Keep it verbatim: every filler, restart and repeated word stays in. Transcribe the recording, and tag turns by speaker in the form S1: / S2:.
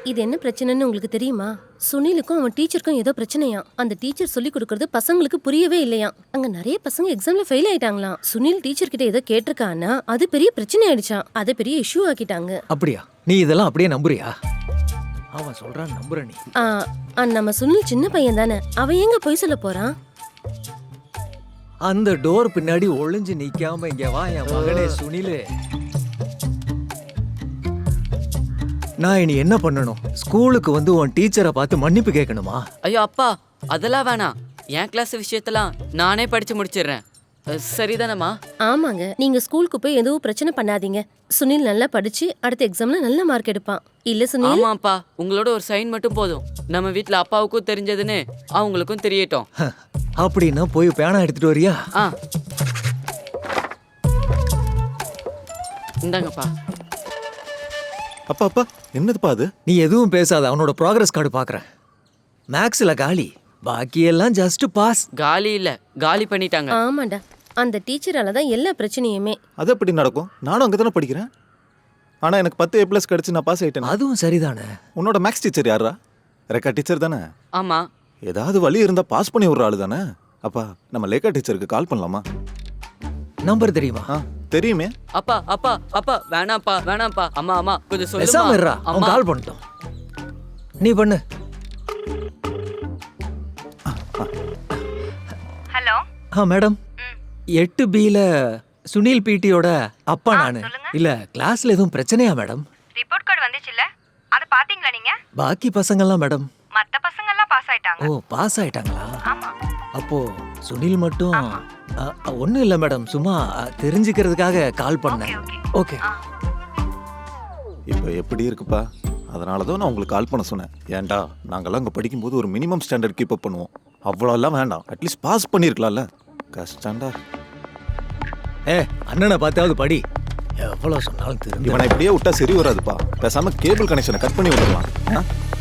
S1: இது என்ன பிரச்சனைன்னு உங்களுக்கு தெரியுமா? சுனிலுக்கும் அவன் டீச்சருக்கும் ஏதோ பிரச்சனையா. அந்த டீச்சர் சொல்லி கொடுக்கறது பசங்களுக்கு புரியவே இல்லையா. அங்க நிறைய பசங்க எக்ஸாம்ல ஃபெயில் ஆயிட்டாங்களாம். சுனில் டீச்சர் கிட்ட ஏதோ கேட்டிருக்கானா, அது பெரிய பிரச்சனை ஆயிடுச்சாம். அதை பெரிய இஷ்யூ ஆக்கிட்டாங்க.
S2: அப்படியா? நீ இதெல்லாம் அப்படியே நம்புறியா? அவன் சொல்றான் நம்புற நீ?
S1: ஆ, ஆ, நம்ம சுனில் சின்ன பையன் தானே, அவன் எங்க போய் சொல்ல போறான்?
S2: அந்த டோர் பின்னாடி ஒளிஞ்சு நிக்காம இங்க வா என் மகனே சுனிலு. நான் இனி என்ன பண்ணணும்? ஸ்கூலுக்கு வந்து உன் டீச்சரை பார்த்து மன்னிப்பு கேட்கணுமா?
S3: ஐயோ அப்பா, அதெல்லாம் வேணாம். என் கிளாஸ் விஷயத்தெல்லாம் நானே படிச்சு முடிச்சிடுறேன். அஹ், சரிதானம்மா?
S1: ஆமாங்க, நீங்க ஸ்கூலுக்கு போய் எதுவும் பிரச்சனை பண்ணாதீங்க. சுனில் நல்லா படிச்சு அடுத்த எக்ஸாம்ல நல்ல மார்க் எடுப்பான். இல்ல சுனில்?
S3: ஆமாப்பா, உங்களோட ஒரு சைன் மட்டும் போதும். நம்ம வீட்ல அப்பாவுக்கும் தெரிஞ்சதுன்னு அவங்களுக்கும் தெரியட்டும்.
S2: அப்படின்னா போய் பேனா எடுத்துட்டு வரியா?
S3: ஆ, இந்தாங்கப்பா.
S4: அப்பா அப்பா என்னதுப்பா அது?
S2: நீ எதுவும் பேசாத, அவனோட ப்ராக்ரஸ் கார்டு பாக்குறேன். மேக்ஸ்ல காலி, பாக்கியெல்லாம் ஜஸ்ட் பாஸ்.
S3: காலி இல்ல, காலி பண்ணிட்டாங்க.
S1: ஆமாண்டா, அந்த டீச்சரால தான் எல்லா பிரச்சனையுமே.
S4: அது எப்படி நடக்கும்? நானும் அங்கே தானே படிக்கிறேன். ஆனால் எனக்கு பத்து ஏ ப்ளஸ் கிடச்சி நான் பாஸ் ஆகிட்டேன்.
S2: அதுவும் சரிதானே.
S4: உன்னோட மேக்ஸ் டீச்சர் யாரா? ரெக்கா டீச்சர் தானே?
S3: ஆமா.
S4: ஏதாவது வழி இருந்தால் பாஸ் பண்ணி விட்ற ஆளு தானே? அப்பா நம்ம லேக்கா டீச்சருக்கு கால் பண்ணலாமா?
S2: நம்பர் தெரியுமா?
S4: ஆ தெரியுமே.
S3: அப்பா அப்பா அப்பா வேணாம்ப்பா வேணாம்ப்பா. அம்மா அம்மா கொஞ்சம்
S2: பேசாம இருடா,
S3: சொல்லுமா.
S2: அவன்
S3: அம்மா
S2: கால் பண்ணிட்டோம். நீ பண்ணு.
S5: ஹலோ.
S2: ஆ மேடம், எட்டு பில சுனில் பிடியோட அப்பா நானு. இல்ல கிளாஸ்ல எதுவும் பிரச்சனையா மேடம்?
S5: ரிப்போர்ட் கார்டு வந்துச்சுல்ல, அதை பாத்தீங்களா நீங்க?
S2: பாக்கி பசங்கள்லாம் மேடம்.
S5: மத்த பசங்க எல்லாம் பாஸ் ஆயிட்டாங்க.
S2: ஓ பாஸ் ஆயிட்டாங்களா?
S5: ஆமா.
S2: அப்போ சுனில் மட்டும் ஒன்றும் இல்லை மேடம், சும்மா அ, தெரிஞ்சுக்கிறதுக்காக கால் பண்ணேன். ஓகே.
S4: இப்போ எப்படி இருக்குப்பா? அதனால தான் நான் உங்களுக்கு கால் பண்ண சொன்னேன். ஏன்டா நாங்கள்லாம் அங்கே படிக்கும்போது ஒரு மினிமம் ஸ்டாண்டர்ட் கீப் அப் பண்ணுவோம். அவ்வளோலாம் வேண்டாம், அட்லீஸ்ட் பாஸ் பண்ணியிருக்கலாம்ல. கஷ்டம்டா.
S2: ஏ அண்ணனை பார்த்தாவது படி. எவ்வளோ சொன்னாலும் தெரியும்.
S4: இவனை இப்படியே விட்டா சரி வராதுப்பா. பேசாம கேபிள் கனெக்ஷனை கட் பண்ணி விட்டுடலாம்.